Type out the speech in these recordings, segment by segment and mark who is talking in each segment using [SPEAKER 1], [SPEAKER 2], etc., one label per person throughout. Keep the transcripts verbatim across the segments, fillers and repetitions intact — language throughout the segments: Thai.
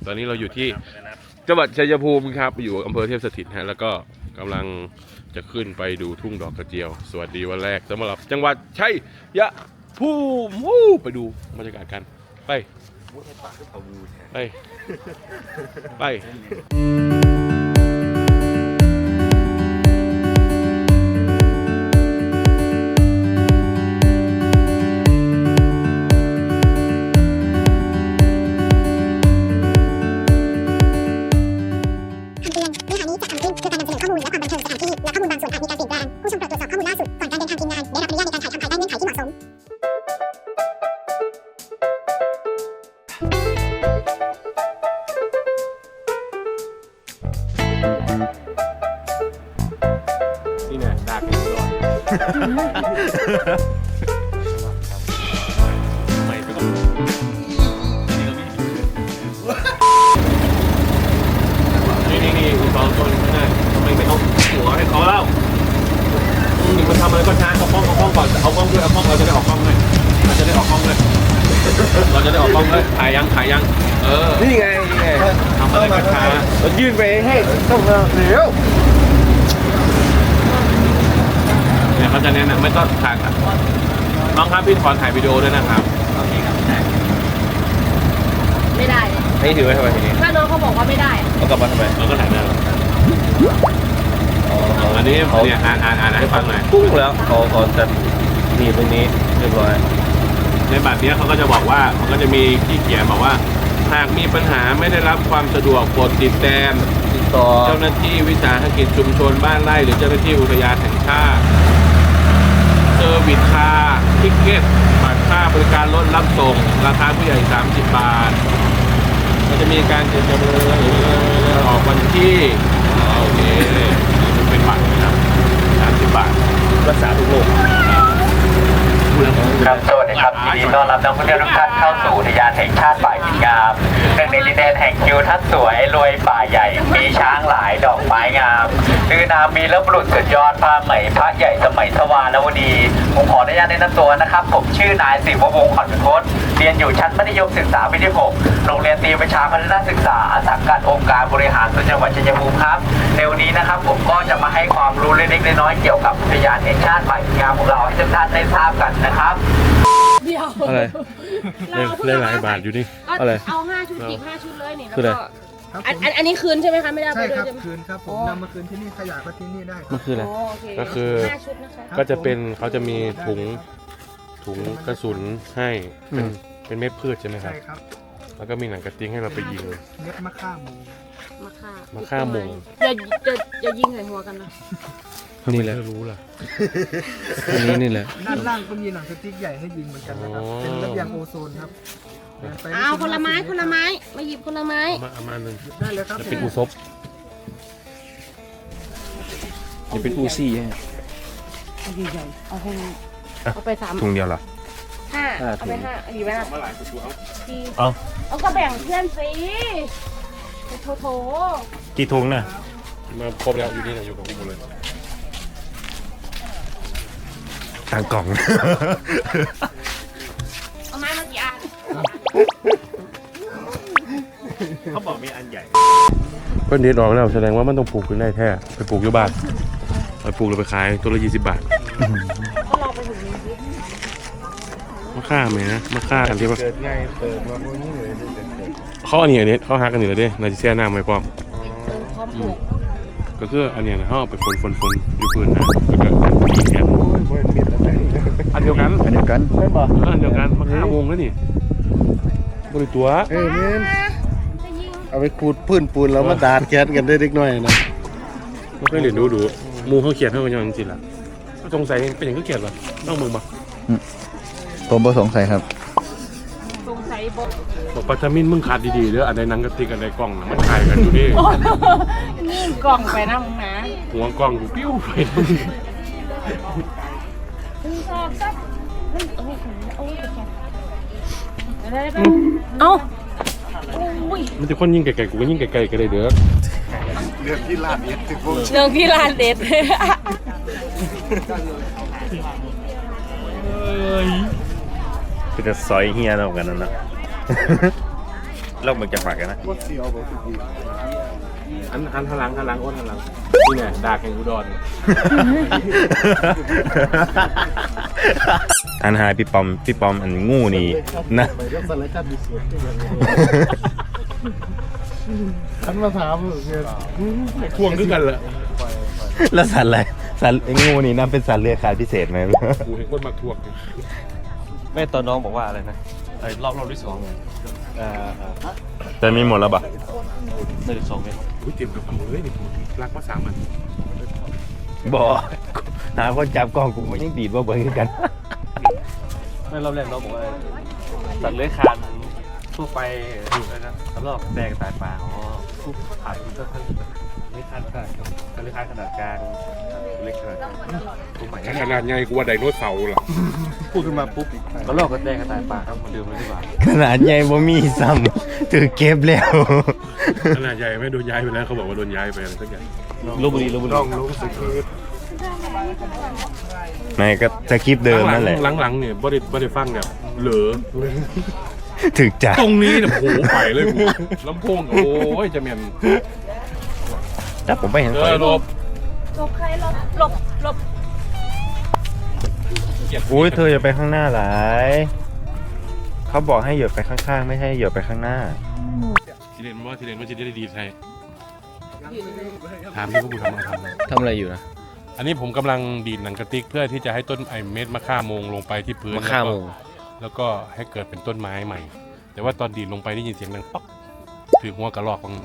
[SPEAKER 1] ตอนนี้เราอยู่ที่จังหวัดชัยภูมิครับอยู่อำเภอเทพสถิตฮะแล้วก็กำลังจะขึ้นไปดูทุ่งดอกกระเจียวสวัสดีวันแรกสำหรับจังหวัดชัยภูมิไปดูบรรยากาศกันไปไปไปนี่เนี่ยดากอยู่ร้อนไม่ไปก่อนนี่นี่นี่คุณสองคนไม่ได้ทำไมไม่เอาหัวให้เขาเล่านี่มันทำอะไรก็ช้าเอากล้องเอากล้องก่อนเอากล้องด้วยเอากล้องเราจะได้ออกกล้องเลยเราจะได้ออกกล้องเลยเราจะได้ออกกล้องเลยถ่ายยังถ่ายยังเออนี่ไงนี่ไงทำอะไรก็ช้าเรายื่นไปให้ต้องเร็วเนี่ยเขาจะเน้นไม่ต้องถ่ายน้องครับพี่ขอถ่ายวิดีโอด้วยนะครับ
[SPEAKER 2] ไม่ได้
[SPEAKER 1] ให้ถือไว้ทำไมทีนี้
[SPEAKER 2] ถ้าน้องเขาบอกว่าไม่ได้
[SPEAKER 1] เอากลับมาทำไมเราก็ถ่ายหน้าอันนี้เนี่ยอ่านอ่านอ่านให้ฟังหน่อยกุ้งแล้วเขาเขาจะมีตรงนี้เรียบร้อยในบัตรนี้เขาก็จะบอกว่ามันก็จะมีที่เขียนบอกว่าหากมีปัญหาไม่ได้รับความสะดวกโปรดติดแต้มติดต่อเจ้าหน้าที่วิสาหกิจชุมชนบ้านไร่หรือเจ้าหน้าที่อุทยานแห่งชาติเซอร์วิสคาร์ทิเก็ตบัตรค่าบริการรถรับส่งราคาผู้ใหญ่สามสิบบาทก็จะมีการเจรจาออกวันที่โอเคมันเป็นบัตรนะครับสามสิบบาทรักษาทุกโรค
[SPEAKER 3] ครับสวัสดีครับยินดีต้อนรับนักท่องเที่ยวทุกท่านเข้าสู่อุทยานแห่งชาติป่าหินงามหนึ่งในดินแดนแห่งทิวทัศน์สวยรวยป่าใหญ่มีช้างหลายดอกไม้งามคือนามีและบุรุษสุดยอดผ้าไหมพระใหญ่สมัยสวานวดีผมขออนุญาตแนะนำตัวนะครับผมชื่อนายศิววงศ์ขอนพจน์เรียนอยู่ชั้นมัธยมศึกษาปีที่หกโรงเรียนตรีประชาพัฒนาศึกษาสังกัดองค์การบริหารส่วนจังหวัดชัยภูมิครับในวันนี้นะครับผมก็จะมาให้ความรู้เล็กๆน้อยๆเกี่ยวกับอุทยานแห่งชาติป่าหินงามของเราให้ทุกท่านได้ทราบกันนะครับ
[SPEAKER 2] เดียว
[SPEAKER 1] อะไรเล่นหลายบาทอยู่นี่อะไร
[SPEAKER 2] เอาห้าชุดจิบห้าชุดเลยนี่
[SPEAKER 1] คืออะไร
[SPEAKER 2] อันอันนี้คืนใช่ไหมคะไม่ได้
[SPEAKER 4] ใช่ครับคืนครับผมนำมาคืนที่นี่ขยะก็ที่นี่ได้
[SPEAKER 1] มันคืออะไรก็คือก็จะเป็นเขาจะมีถุงถุงกระสุนให้เป็นเป็นเม็ดพืชใช่ไหมครับใช่ครับแล้วก็มีหนังกระติ้งให้เราไปยิง
[SPEAKER 4] เม็ดมะข่าหมู
[SPEAKER 2] มะข่าม
[SPEAKER 1] ะข่าหมู
[SPEAKER 2] อย่าจะอย่ายิงใส่หัวกันนะ
[SPEAKER 1] นี่แหละรู้ล่ะนี่นี่แหละ
[SPEAKER 4] ด้านล่างก็มีหนังสติ๊กใหญ่ให้ยิงเหมือนกันนะครับเป็นระเบียงโอโซนครับ
[SPEAKER 2] เอาคนละไม้คนละไม้มาหยิบคนละไม้
[SPEAKER 1] มาเอามาหนึ่ง
[SPEAKER 4] ได้เลยครับ
[SPEAKER 1] จะเป็นอูซบจะเป็นอูซี่ฮะ
[SPEAKER 2] เอาใหญ่เอาให้เอาไปสาม
[SPEAKER 1] ถุงเดียวเหรอ
[SPEAKER 2] ห้าเอาไปห้าดีไหมล่ะ
[SPEAKER 1] เอา
[SPEAKER 2] เอาก็แบ่งเพื่อนสิโถโถ
[SPEAKER 1] กี่ถุงน่ะมาครบแล้วอยู่นี่นะอยู่กับกูหมดเลยต่างกล่อง
[SPEAKER 2] เอาไม้มากี่อัน
[SPEAKER 1] เขาบอกมีอันใหญ่เพิ่นเด็ดออกแล้วแสดงว่ามันต้องปลูกขึ้นได้แท้ไปปลูกอยู่บ้านไปปลูกแล้วไปขายตัวละยี่สิบบาทมะข่าไหมนะมะข่าอันที่ว่าเกิดง่ายเปิดมาพวกนี้เลยเขาอันนี้อันนี้เขาหักกันอยู่แล้วเด้นายจะแช่น้ำไว้พร้อมก็คืออันนี้นะเขาไปฝนฝนฝนอยู่พื้นนะแล้วก็ตีแขนอันเดียวกัน
[SPEAKER 4] อันเดียวกันใช่ป่ะ
[SPEAKER 1] อันเดียวกันมะข่าวงแล้วนี่บริตัว
[SPEAKER 4] เออเน้นเอาไปขูดพื้นปูนแล้วมาดาดแก๊สกันได้เล็กน้อยนะ
[SPEAKER 1] ไม่เคยเรียนดูดูมูเขาเขียนให้กันยังจริงๆล่ะสงสัยเป็นอย่างก็เขียนหรอต้องมึงป่ะ
[SPEAKER 4] ผมบ่สงสัยครับ
[SPEAKER 2] สงสัยบ่
[SPEAKER 1] บอกปัจจุบันมึงขาดดีๆเด้ออันใดนังกระติกอันใดกล่องมันขายกันอยู่ดิ
[SPEAKER 2] นี่กล่องไปนะมึงนะ
[SPEAKER 1] หัวกล่องปิ้วไปมึง
[SPEAKER 2] ชอบซับโอ้ยโอ้ยได้ไปเอ้า
[SPEAKER 1] มันจะคนยิ่งไกลๆกูก็ยิ่งไกลๆกันเลยเด้อ
[SPEAKER 4] เรื่องที่ลาดเด็ด
[SPEAKER 2] เรื่องที่ลาดเด็ด
[SPEAKER 1] เป็นจะซอยเฮียเรากันนั่นนะ
[SPEAKER 5] เราเหมือนจะฝากกันนะ
[SPEAKER 4] ว่าเสียวบอกพี่
[SPEAKER 1] อันอันทลังทลังอ้นทลังนี่ไงดาแข่งอุดร
[SPEAKER 5] อันหายพี่ปอมพี่ปอมอันงูนี่นะ
[SPEAKER 4] ไปเรื่องสารคดีสวนที่ยังฉันมาถามเนี่ย
[SPEAKER 1] พ่วงด้วยกันเลย
[SPEAKER 5] แล้วสัตว์อะไรสัตว์ไอ้งูนี่น่าเป็นสัตว์เลื้อยคลานพิเศษไหม
[SPEAKER 1] กูเห็นคนมาทวง
[SPEAKER 6] แม่ตอนน้องบอกว่าอะไรนะไอ้รอบรอบที่สองไงเอ่อ
[SPEAKER 5] แต่มีหมดแล้วปะ
[SPEAKER 6] หนึ่งสองเมตร
[SPEAKER 1] อุ้ยเต็มกับมือเลยนี่ผมรักมาสามมัน
[SPEAKER 5] บอกหาคนจับกล้องกูไม่ยังดีดว่าเบิร์นกัน
[SPEAKER 6] ไม่รอบแรกน้องบอกว่าสัตว์เลื้อยคลานทั่วไปอะไรนะสำหรับแดงสายปลาอ๋อผู้ผ่านก็ค่อนข้างเลื้อยคลานขนาดกับเลื้อยคลานขนาดกลางเล็กขนาดกลางตัวใหม่
[SPEAKER 1] ขนาดใหญ่กูว่าไดโนเสาร์เหรอ
[SPEAKER 6] พูดขึ้นมาปุ๊บก็ลอกกับแดงกับสายปลาครับมาดื่มเลยดีกว่า
[SPEAKER 5] ขนาดใหญ่บ่มีซ้ำถือเก็บแล้ว
[SPEAKER 1] ขนาดใหญ่ไม่โดนย้ายไปแล้วเขาบอกว่าโดนย้ายไปอะไรสักอย่าง
[SPEAKER 6] ลบบุรีลบบุรี
[SPEAKER 4] ต้องรู้สึกคือ
[SPEAKER 5] ไม่ก็จะคลิปเดิมนั่นแหละ
[SPEAKER 1] หลังๆเนี่ยบ่ได้บ่ได้ฟังแบบเหลือ
[SPEAKER 5] ถึกจ้ะ
[SPEAKER 1] ตรงนี้เนี่ยโอ้โหไปเลยกูลำโพงโอ้ยจะเมียน
[SPEAKER 5] แต่ผมไม่เห็น
[SPEAKER 1] เอ
[SPEAKER 5] ไฟ
[SPEAKER 1] อหลบ
[SPEAKER 2] หลบใครหลบหลบหลบ
[SPEAKER 5] อุ้ยเธออย่าไปข้างหน้าหลายเขาบอกให้เหยียบไปข้างๆ ไม่ให้เหยียบไปข้างหน้า
[SPEAKER 1] ทีเด่นว่าทีเด่นว่าจะได้ดีใช่ถามที่พวกกูทำอะไรทำ
[SPEAKER 6] ทำอะไรอยู่นะ
[SPEAKER 1] อันนี้ผมกำลังดีดหนังกระติกเพื่อที่จะให้ต้นไอเม็ดมะข่าโมงลงไปที่พื้น
[SPEAKER 6] มะข่าโมง
[SPEAKER 1] แล้วก็ให้เกิดเป็นต้นไม้ใหม่ แต่ว่าตอนดีดลงไปได้ยินเสียงดังป๊อกถือหัวกระรอกของ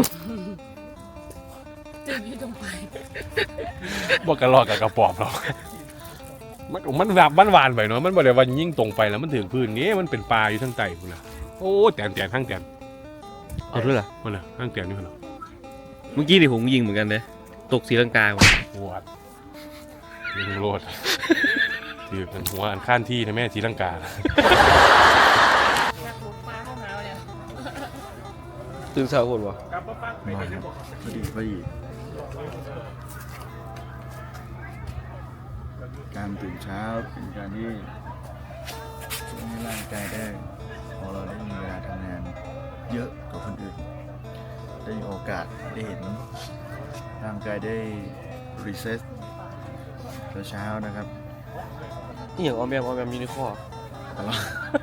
[SPEAKER 2] จึงอยู่ตรงไป
[SPEAKER 1] บ่กระรอกกับกระปอบหรอกมันมันแบบมันหวานไปเนาะมันบ่ได้ว่ายิ่งตรงไปแล้วมันถึงพื้นนี้มันเป็นปลาอยู่ทั้งใจคุณนะโอ้แตนแตนทั้งแตน
[SPEAKER 6] เอาด้วยเหรอ
[SPEAKER 1] มันน่ะทั้งแตนนี่มันเหรอ
[SPEAKER 6] เมื่อกี้ดิผมยิงเหมือนกันเลยตกสีลังกา
[SPEAKER 1] ปวดยิงโลดถือเป็นหัวอันข้านที่นะแม่ทีลังกา
[SPEAKER 6] ตื่นเช้าคนวะ
[SPEAKER 4] พอดีพอดีการตื่นเช้าเป็นการที่ช่วยให้ร่างกายได้พอเราได้มีเวลาทำงานเยอะกว่าคนอื่น ได้มีโอกาสได้เห็นร่างกายได้รีเซ็ตเช้าๆนะครับ
[SPEAKER 6] นี่อย่างออมแอมออมแอมยูนิคอร์
[SPEAKER 4] แต่ว่า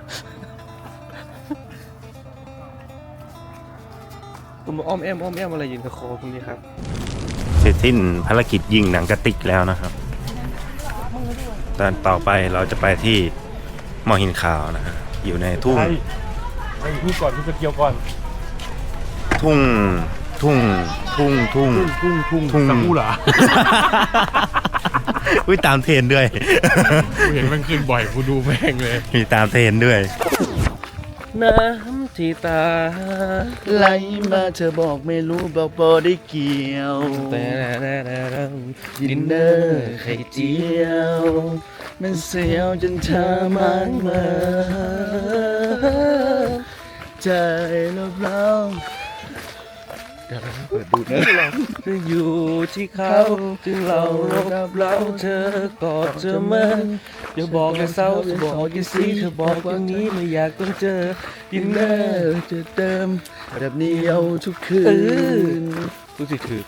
[SPEAKER 6] คุณมาอ้อมแอมอ้อมแอมอะไรยืนกับคอคุณนี่ครับ
[SPEAKER 5] เสร็จสิ้นภารกิจยิงหนังกระติกแล้วนะครับ ตอนต่อไปเราจะไปที่มอหินขาวนะฮะอยู่ในทุ่ง
[SPEAKER 1] ไอ้นี่ก่อนที่จะเกี่ยวก่อน
[SPEAKER 5] ทุ่ง ทุ่ง ทุ่ง ทุ่ง
[SPEAKER 1] ทุ่งทุ่ง
[SPEAKER 5] ทุ่ง
[SPEAKER 1] สักูหลา
[SPEAKER 5] อุ้ยตามเทรนด้วย
[SPEAKER 1] กูเห็นมันขึ้นบ่อยกูดูแม่งเลย
[SPEAKER 5] มีตามเทรนด้วย
[SPEAKER 6] น้ำที่ตา
[SPEAKER 4] ไหลมาเธอบอกไม่รู้บอกบอได้เกี่ยว
[SPEAKER 6] แต่ดินเนอร์ไข่เจียว
[SPEAKER 4] มันเสียวจนเธอมันเมื่อใจเราเราเปิดดูนะ
[SPEAKER 6] จะอยู่ที่เขาจึงเรารับเราเธอกอดเธอมันอย่าบอกอย่าเศร้าอย่าบอกอย่าซีเธอบอกอย่างนี้ไม่อยากต้องเจอดินเนอร์
[SPEAKER 4] จะเติมแบบนี้เอาทุกคื
[SPEAKER 6] เออน รู้สึกถือ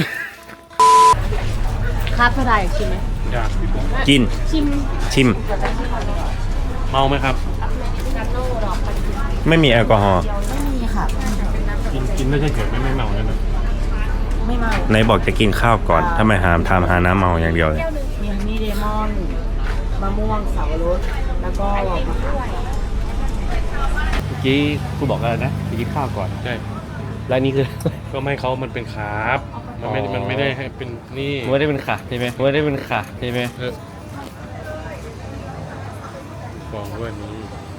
[SPEAKER 2] ครับเท่าไหร่ชิมไหม
[SPEAKER 1] อยาก
[SPEAKER 5] กิน
[SPEAKER 2] ชิม
[SPEAKER 5] ชิม
[SPEAKER 1] เมาไหมครับ
[SPEAKER 5] ไม่มีแอลกอฮอล์
[SPEAKER 2] ไม่มีค่ะ
[SPEAKER 1] กินกินไม่ใช่เฉยไม่ไม่เมาเนี่ยนะ
[SPEAKER 2] ไม่เมา
[SPEAKER 5] ไหนบอกจะกินข้าวก่อน ถ้าไม่หามทำหาน้ำเมาอย่างเดียวเลย
[SPEAKER 2] มีฮันนี่เดมอนมะม่วงสับปะรดแล้วก็มะขาม
[SPEAKER 6] เมื่อกี้คุณบอกอะไรนะไปกินข้าวก่อน
[SPEAKER 1] ใช่
[SPEAKER 6] แล้วนี่คือ
[SPEAKER 1] ก็ไม่เขามันเป็นคาร์บมันไม่
[SPEAKER 6] อ๋อ
[SPEAKER 1] มันไม่ได้ให้เป็นนี่
[SPEAKER 6] ไม่ได้เป็นขาใช่ไหมไม่ได้เป็นขาใช่ไหม
[SPEAKER 1] เออฟองด้วยนี้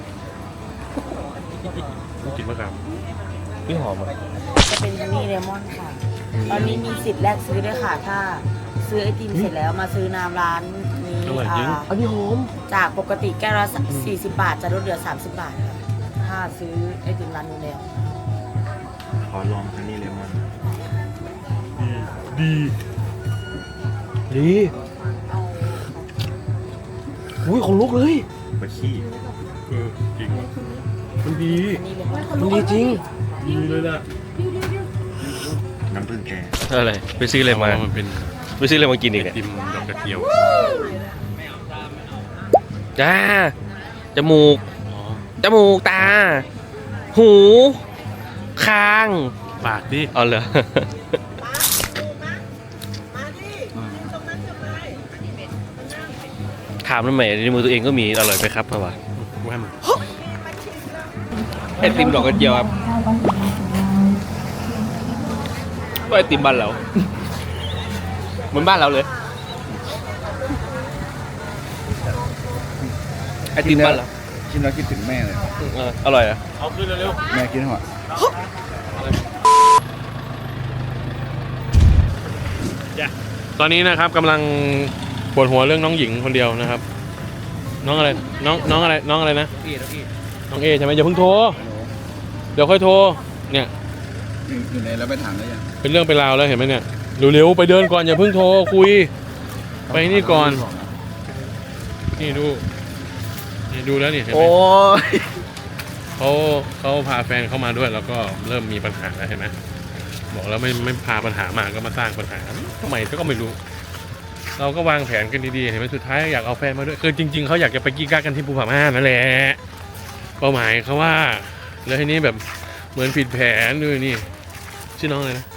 [SPEAKER 1] กินมะขาม
[SPEAKER 6] นี่หอมอ่ะ
[SPEAKER 2] จะเป็นฮันนี่เดมอนค่ะ ตอนนี้มีสิทธิ์แลกซื้อด้วยค่ะ ถ้าซื้อไอติมเสร็จแล้วมาซื้อน้ำร้านนี้อ่า
[SPEAKER 6] อันนี้หอม
[SPEAKER 2] จากปกติแก้วละสี่สิบบาทจะลดเหลือสามสิบบาทค่ะถ้าซื้อไอติมร้านนู้นแล้ว
[SPEAKER 5] ขอลองอันนี้เลมอน
[SPEAKER 6] ดีอุ้ยของลุกเลย
[SPEAKER 5] ไปขี้
[SPEAKER 1] เออจริงมันดี
[SPEAKER 2] อันนี้เลย
[SPEAKER 6] มันดีจริง
[SPEAKER 2] อ
[SPEAKER 1] เลยนะ
[SPEAKER 5] น้ำผึ้งแก
[SPEAKER 6] อะไรไปซื้ออะไรมา
[SPEAKER 1] มันเป็น
[SPEAKER 6] ไปซื้ออะไรมากินอีก
[SPEAKER 1] ไอ
[SPEAKER 6] เนี่ย
[SPEAKER 1] ติมดอกกระเจียว
[SPEAKER 6] จ้าจมูก
[SPEAKER 1] อ๋อ
[SPEAKER 6] จมูกตา หูคาง
[SPEAKER 1] ปากดิ
[SPEAKER 6] เอาเหรอ ถามทำไมในมือตัวเองก็มีอร่อยไหมครับพ่อวะ
[SPEAKER 1] ว่ามัน
[SPEAKER 6] ไอติมดอกกระเจียวครับก็ไอติมบ้านเราเหมือนบ้านเราเลยไอติมบ้านเรา
[SPEAKER 4] กินแล้วคิดถึงแม่เลย
[SPEAKER 6] เอออร่อยอ่ะ
[SPEAKER 1] เอาขึ้นเร็ว
[SPEAKER 4] แม่กินหัว
[SPEAKER 1] ตอนนี้นะครับกำลังปวดหัวเรื่องน้องหญิงคนเดียวนะครับ น้องอะไรน้องน้องอะไรน้องอะไรนะน้องเอใช่ไหมอย่าเพิ่งโทรเดี๋ยวค่อยโทรเนี่ย
[SPEAKER 4] อยู่ในแล้วไปถามแล้วยัง
[SPEAKER 1] เป็นเรื่องเป็นราวแล้วเห็นไหมเนี่ยเร็วๆไปเดินก่อนอย่าเพิ่งโทรคุย ไปนี่ก่อน นี่ดูนี่ดูแล้วนี่เห็นไหม
[SPEAKER 4] โอ้ย
[SPEAKER 1] เขาเขาพาแฟนเข้ามาด้วยแล้วก็เริ่มมีปัญหาแล้วเห็นไหมบอกแล้วไม่ไม่พาปัญหามาก็มาสร้างปัญหาทำไมก็ไม่รู้ เราก็วางแผนกันดีๆเห็นไหมสุดท้ายอยากเอาแฟนมาด้วยคือจริงๆเขาอยากจะไปกี้กักกันที่ภูผาม่านนั่นแหละเป้าหมายเขาว่าแล้วทีนี้แบบเหมือนผิดแผนด้วยนี่ชื่อน้องอะไรนะ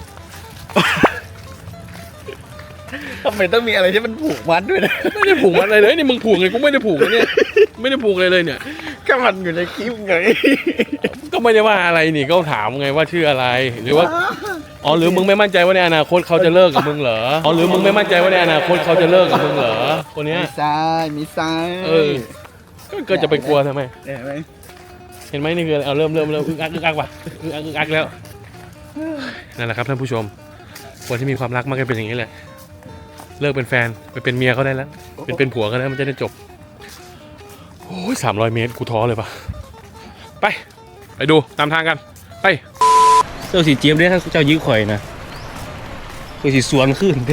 [SPEAKER 4] ทำไมต้องมีอะไรที่มันผูกมัดด้วยนะ
[SPEAKER 1] ไม่ได้ผูกมันอะไรเลยนี่มึงผูกไงกูไม่ได้ผูกเลยเนี่ยไม่ได้ผูกเลยเลยเนี่ย
[SPEAKER 4] ก็มันอยู่ในคลิปไง
[SPEAKER 1] ก็ไม่ได้ว่าอะไรนี่ก็ถามไงว่าชื่ออะไรหรือว่าอ๋อหรือมึงไม่มั่นใจว่าในอนาคตเขาจะเลิกกับมึงเหรออ๋อหรือมึงไม่มั่นใจว่าในอนาคตเขาจะเลิกกับมึงเหรอคนเนี้ย
[SPEAKER 4] มีซ้ายมีซ้าย
[SPEAKER 1] เออก็ก็จะไปกลัวทำไม
[SPEAKER 4] เห็นไหม
[SPEAKER 1] เห็นไหมนี่คือเอาเริ่มเริ่มเริ่มอึกอักอึกอักว่ะอึกอักอึกอักแล้วนั่นแหละครับท่านผู้ชมคนที่มีความรักมักจะเป็นอย่างนี้แหละเลิกเป็นแฟนไปเป็นเมียเขาได้แล้วเป็นเป็นผัวเขาแล้วมันจะได้จบโอ้ยสามร้อยเมตรกูท้อเลยปะไปไปดูตามทางกันไป
[SPEAKER 6] เจ้าสีเจี๊ยบเนี่ยถ้าเจ้ายื้อข่อยนะข่อยสีสวนขึ้นเด้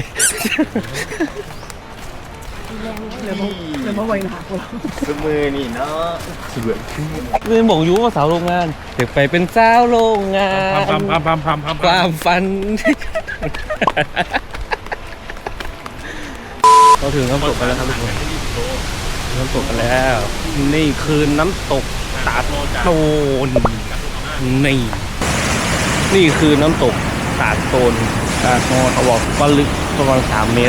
[SPEAKER 4] สมือนี่เนาะ
[SPEAKER 6] เรียนบอกอยู่ว่าสาวโรงงานเด็กไปเป็นสาวโรงงาน
[SPEAKER 1] พัมพัมพัมพัมพัม
[SPEAKER 6] ความฝันเราถึงน้ำตกกันแล้วครับทุกคนน้ำตกกันแล้ว นี่คือน้ำตกตาดโตนนี่นี่คือน้ำตกตาดโตนตาดโตนเขาบอกว่าลึกประมาณสามเมตร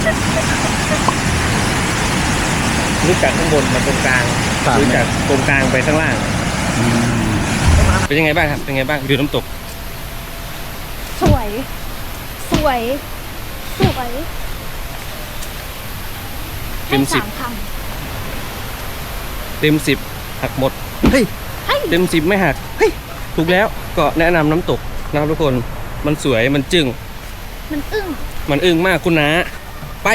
[SPEAKER 6] ลึกจากข้างบนมาตรงกลางลึกจากตรงกลางไปข้างล่างเป็นยังไงบ้างครับเป็นยังไงบ้างดูน้ำตก
[SPEAKER 7] สวย สวย สวย
[SPEAKER 6] เต็มสิบ
[SPEAKER 7] ให้าค
[SPEAKER 6] เต็มสิบหักหมดเฮ้ยเต็มสิบไม่หักเฮ้ยถูกแล้วก็แนะนำน้ำตกนะครับทุกคนมันสวยมันจึ้ง
[SPEAKER 7] ำมันอึ้ง
[SPEAKER 6] มันอึ้งมากคุณนะไป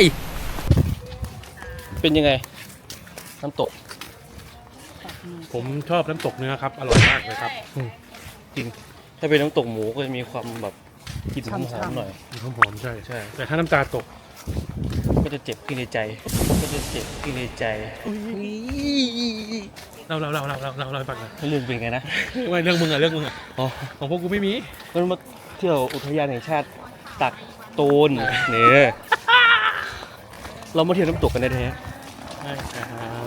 [SPEAKER 6] เป็นยังไง น้ำตก
[SPEAKER 1] ผมชอบน้ำตกเนื้อครับอร่อยมากเลยครับ
[SPEAKER 6] จริง ถ้าเป็นน้ำตกหมูก็จะมีความแบบกลิ่นหอมๆหน่อย
[SPEAKER 1] หอมหอมๆใช่
[SPEAKER 6] ใช่
[SPEAKER 1] แต่ถ้าน้ำตาตก
[SPEAKER 6] ก็จะเจ็บขึ้นในใจ ก็จะเจ็บขึ้นในใจ
[SPEAKER 1] เราเราเราเราเราเราเราให้ฟังหน่อย
[SPEAKER 6] เรื่องเป็นไงนะ
[SPEAKER 1] ไม่เรื่องมึงอะเรื่องมึงอะ
[SPEAKER 6] อ๋อ
[SPEAKER 1] ของพวกกูไม่มี
[SPEAKER 6] มันมาเที่ยวอุทยานแห่งชาติตักโตนเนี่ยเรามาเที่ยวน้ำตกกันได้แท้
[SPEAKER 1] ใช่ครับ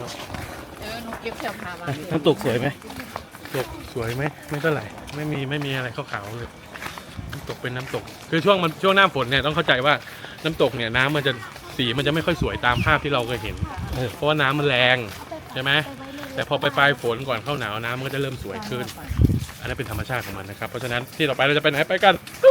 [SPEAKER 6] น้ำตกสวยไหม
[SPEAKER 1] ตกสวยไหมไม่เท่าไหร่ไม่มีไม่มีอะไรขาวๆเลยน้ำตกเป็นน้ำตก คือช่วงมันช่วงหน้าฝนเนี่ยต้องเข้าใจว่าน้ำตกเนี่ยน้ำมันจะสีมันจะไม่ค่อยสวยตามภาพที่เราเคยเห็น
[SPEAKER 6] เออ
[SPEAKER 1] เพราะว่าน้ำมันแรงใช่ไหมแต่พอไปปลายฝนก่อนเข้าหนาวน้ำมันก็จะเริ่มสวยขึ้น อันนั้นเป็นธรรมชาติของมันนะครับเพราะฉะนั้นที่ต่อไปเราจะไปไหนไปกัน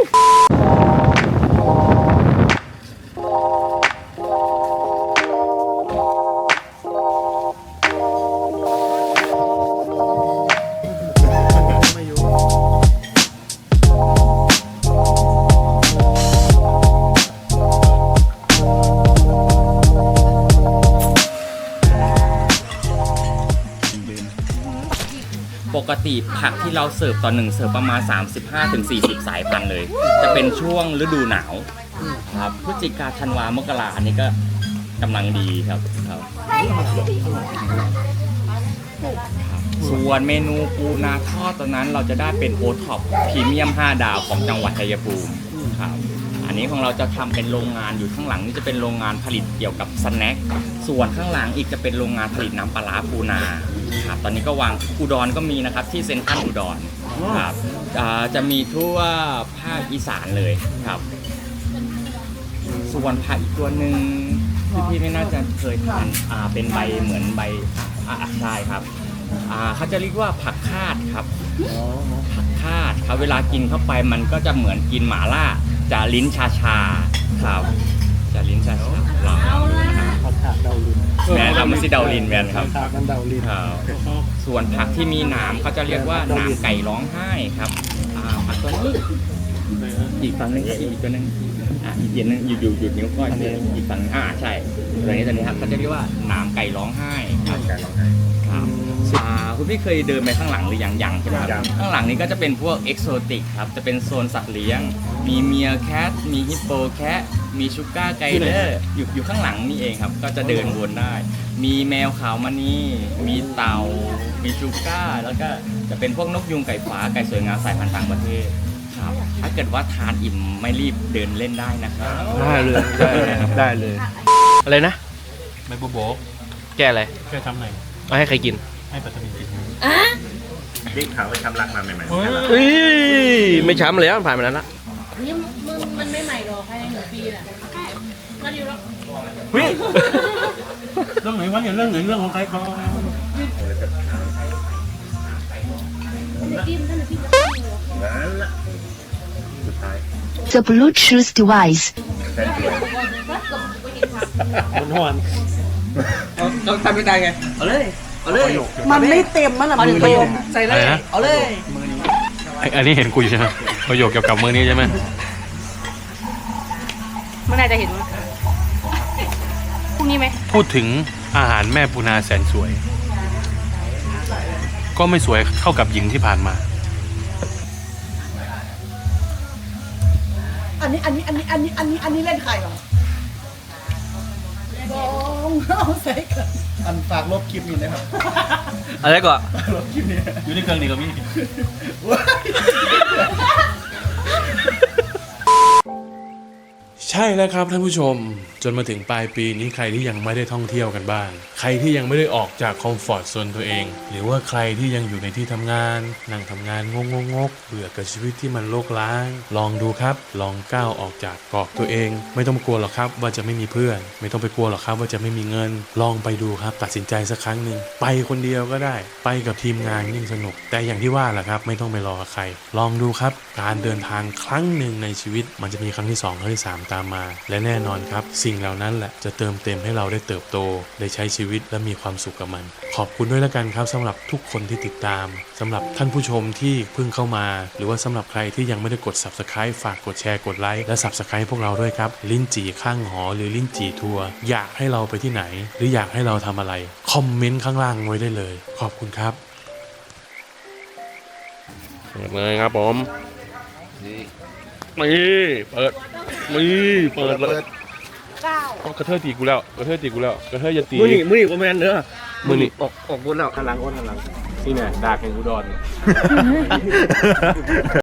[SPEAKER 8] ปกติผักที่เราเสิร์ฟต่อหนึ่งเสิร์ฟประมาณ สามสิบห้าถึงสี่สิบ สายพันธุ์เลย จะเป็นช่วงฤดูหนาวครับพฤศจิกาธันวามกราอันนี้ก็กำลังดีครับครับส่วนเมนูปูนาทอดตอนนั้นเราจะได้เป็นโอท็อปพรีเมียมห้าดาวของจังหวัดชัยภูมิครับอันนี้ของเราจะทำเป็นโรงงานอยู่ข้างหลังนี่จะเป็นโรงงานผลิตเกี่ยวกับสแน็คส่วนข้างหลังอีกจะเป็นโรงงานผลิตน้ำปลาร้าปูนาครับตอนนี้ก็วางอุดรก็มีนะครับที่เซ็นทรัลอุดรครับอ่าจะมีทั่วภาคอีสานเลยครับส่วนผักอีกตัวหนึ่งที่พี่ไม่น่าจะเคยทานอ่าเป็นใบเหมือนใบอ่าใช่ครับอ่าเขาจะเรียกว่าผักคาดครับผักคาดครับเวลากินเข้าไปมันก็จะเหมือนกินหม่าล่าจะลิ้นชาชาๆครับจะลิ้นชาชาลองดูนะครับ
[SPEAKER 6] ผักขาดเดาลิน
[SPEAKER 8] แมนครับมันสิเดาลินแมนครับ
[SPEAKER 6] ผักมันเดาลิน
[SPEAKER 8] ครับส่วนผักที่มีหนามเขาจะเรียกว่าหนามไก่ร้องไห้ครับอ่าผักตัวนี้อีกฝั่งหนึงครับอีกตัวหนึงอ่าอีกเย็นนึงหยุดหยุดหยุดนิ้วก้อยอีกฝั่งอ่าใช่ตัวนี้ตัวนี้ครับเขาจะเรียกว่าหนามไก่ร้องไห้ครับไก่ร้องไห้ครับอ่าคุณพี่เคยเดินไปข้างหลังหรือยังยังใช่ไหมครับข้างหลังนี้ก็จะเป็นพวกเอกโซติกครับจะเป็นโซนสัตว์เลี้ยงมีเมียแคทมีฮิปโปแคทมีชูก้าไกเดอร์อยู่อยู่ข้างหลังนี่เองครับก็จะเดินวนได้ มีแมวขาวมานี่มีเต่ามีชูก้าแล้วก็จะเป็นพวกนกยุงไก่ฟ้าไก่สวยงามสายพันธุ์ต่างประเทศครับถ้าเกิดว่าทานอิ่มไม่รีบเดินเล่นได้นะครับ
[SPEAKER 6] ได้เลยได้ได้เลย อะไรนะ
[SPEAKER 1] ใบบัวโบก
[SPEAKER 6] แกอะไร
[SPEAKER 1] แค่ทำไหน
[SPEAKER 6] เอาให้ใครกิน
[SPEAKER 1] ให้ปัตตานีกิน
[SPEAKER 5] บิ๊กเขาไปทำรักมาใหม่
[SPEAKER 6] เฮ้ยไม่ช้ำแล้วผ่านมาแล้วละ
[SPEAKER 2] นี่มันมันไม่ใหม่หรอกภายในหนึ่งปีน่ะก็อยู่แล้ว
[SPEAKER 6] เฮ้ย
[SPEAKER 1] เรื่องไหนวะเนี่ยเรื่องไหนเรื่องของใครเขา
[SPEAKER 9] The Bluetooth device.
[SPEAKER 6] มันหอนต้องทำไม่ได้ไงเอาเลยเอาเลย
[SPEAKER 2] มันไม่เต็มมันหรอมันเต็ม
[SPEAKER 6] ใส่เลยเอาเลย
[SPEAKER 1] อันนี้เห็นกูอยู่ใช่ไหมประโยคเกี่ยวกับมือนี้ใช่ไหม
[SPEAKER 7] เมื่อไหร่จะเห็นวะพรุ่งนี้ไหม
[SPEAKER 1] พูดถึงอาหารแม่ปูนาแสนสวย ก็ไม่สวยเท่ากับหญิงที่ผ่านมา
[SPEAKER 2] อันนี้อันนี้อันนี้อันนี้อันนี้อันนี้เล่นใครหรอลองเอาใส่กัน
[SPEAKER 4] อันฝากลบคลิปนี้นะครับ
[SPEAKER 6] อะไรก่อน
[SPEAKER 4] ลบคลิปนี้
[SPEAKER 1] อยู่ในเครื่องนี้ก็มี ใช่แล้วครับท่านผู้ชมจนมาถึงปลายปีนี้ใครที่ยังไม่ได้ท่องเที่ยวกันบ้างใครที่ยังไม่ได้ออกจากคอมฟอร์ตโซนตัวเอง หรือว่าใครที่ยังอยู่ในที่ทำงานนั่งทำงานงงงกเบื่อกับชีวิตที่มันโลกล้างลองดูครับลองก้าวออกจากกรอบตัวเอง ไม่ต้องกลัวหรอกครับว่าจะไม่มีเพื่อน ไม่ต้องไปกลัวหรอกครับว่าจะไม่มีเงิน ลองไปดูครับตัดสินใจสักครั้งหนึ่งไปคนเดียวก็ได้ไปกับทีมงานยิ่งสนุกแต่อย่างที่ว่าแหละครับไม่ต้องไปรอกับใครลองดูครับการเดินทางครั้งหนึ่งในชีวิตมันจะมีครั้งที่สองครั้งที่สามตามมาและแน่นอนครับสิ่งเหล่านั้นแหละจะเติมเต็มให้เราได้เติบโตได้ใช้ชีวิตและมีความสุขกับมันขอบคุณด้วยแล้วกันครับสำหรับทุกคนที่ติดตามสำหรับท่านผู้ชมที่เพิ่งเข้ามาหรือว่าสำหรับใครที่ยังไม่ได้กด ซับสไครบ์ ฝากกดแชร์กดไลค์และ ซับสไครบ์ พวกเราด้วยครับลิ้นจี่ข้างหอหรือลิ้นจี่ทัวร์อยากให้เราไปที่ไหนหรืออยากให้เราทำอะไรคอมเมนต์ข้างล่างไว้ได้เลยขอบคุณครับ
[SPEAKER 6] เปิดเลยครับผมนี่เปิดนี่เปิดเลย
[SPEAKER 2] เก้า
[SPEAKER 1] เอากระเทยตีกูแล้วกระเทยตีกูแล้วกระเทยอย่าตี
[SPEAKER 6] มือนี่มือนี่ก็แมนเด้อ
[SPEAKER 1] มือนี่
[SPEAKER 6] ออกออกบนแล้ว
[SPEAKER 1] ข้างหลังข้างหลังนี่เนี่ยดาแข่งอุดร